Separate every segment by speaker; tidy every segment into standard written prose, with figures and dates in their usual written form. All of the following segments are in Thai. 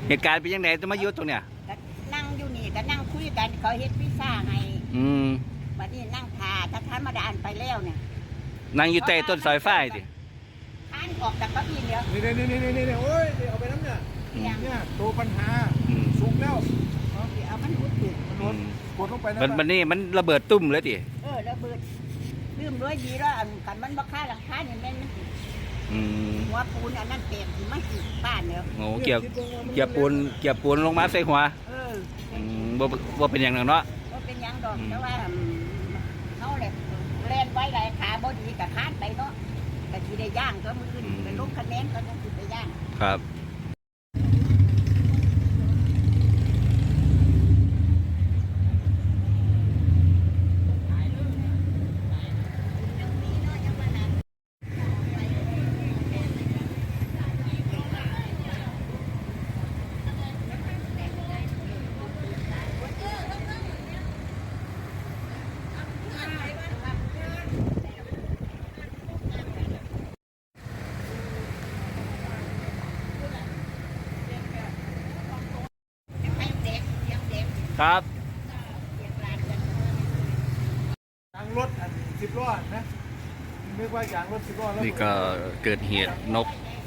Speaker 1: เหตุการณ์เป็นยังไงต้องมายุดตรงเนี้ย
Speaker 2: ก็นั่งอยู่นี่ก็นั่งคุยกันเขาเฮ็ดพิซซ่าให้วันนี้นั่งทาถ้าท่านมาดานไปแล้วเนี่ย
Speaker 1: นั่งอยู่ใต้ต้นสายไฟดิ
Speaker 2: ท่านออกจากเก้าอี้เดียว
Speaker 3: นี่โอ้ยเอาไปน้ำเนี่ยตัวปัญหาสูงแล้ว
Speaker 2: เอามันหุดติด
Speaker 3: มันกดลงไป
Speaker 1: มันนี่มันระเบิดตุ้มเลยดิ
Speaker 2: ระเบิดลืมด้วยดีแล้วกันมันบ่ค่าหลังคาเนี่ยแม่นมันติดหัวปูนอันนั้นเต็มที่มันติดบ้านเนี่ย
Speaker 1: โอ้เกี่ยวปูนลงมาใส่หัวว่าเป็นอย่างนั้นเนาะ
Speaker 2: ว่าเป็นอย่างดอกแต่ว่าเขาเล่นไว้ไรขาบดีกับคาดไปเนาะแต่ที่ได้ย่างก็มือเป็นลูกคะแนนก็ต้องติดไปย่าง
Speaker 1: ครับครับ
Speaker 3: ยางรถ10 ล้อนะนึกว่ายางรถ10 ล้อแล้ว
Speaker 1: นี่ก็เกิดเหตุนก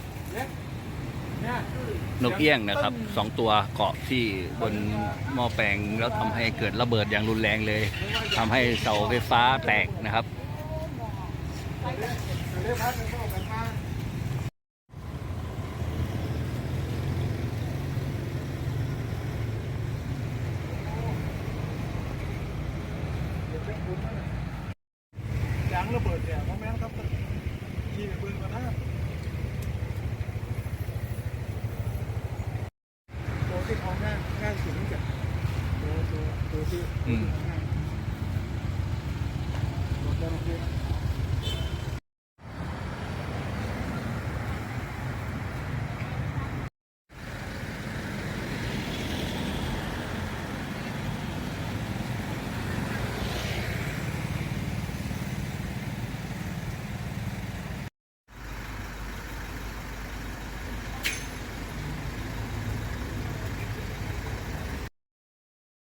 Speaker 1: เอี้ยงนะครับ2 ตัวเกาะที่บนหม้อแปลงแล้วทำให้เกิดระเบิดอย่างรุนแรงเลยทำให้เสาไฟฟ้าแตกนะครับ
Speaker 3: ยางระเบิดเนี่ยโมเมนต์ครับขี่ไปปืนก่อนนะตัวที่เขาง่ายสุดนี่จะตัวที่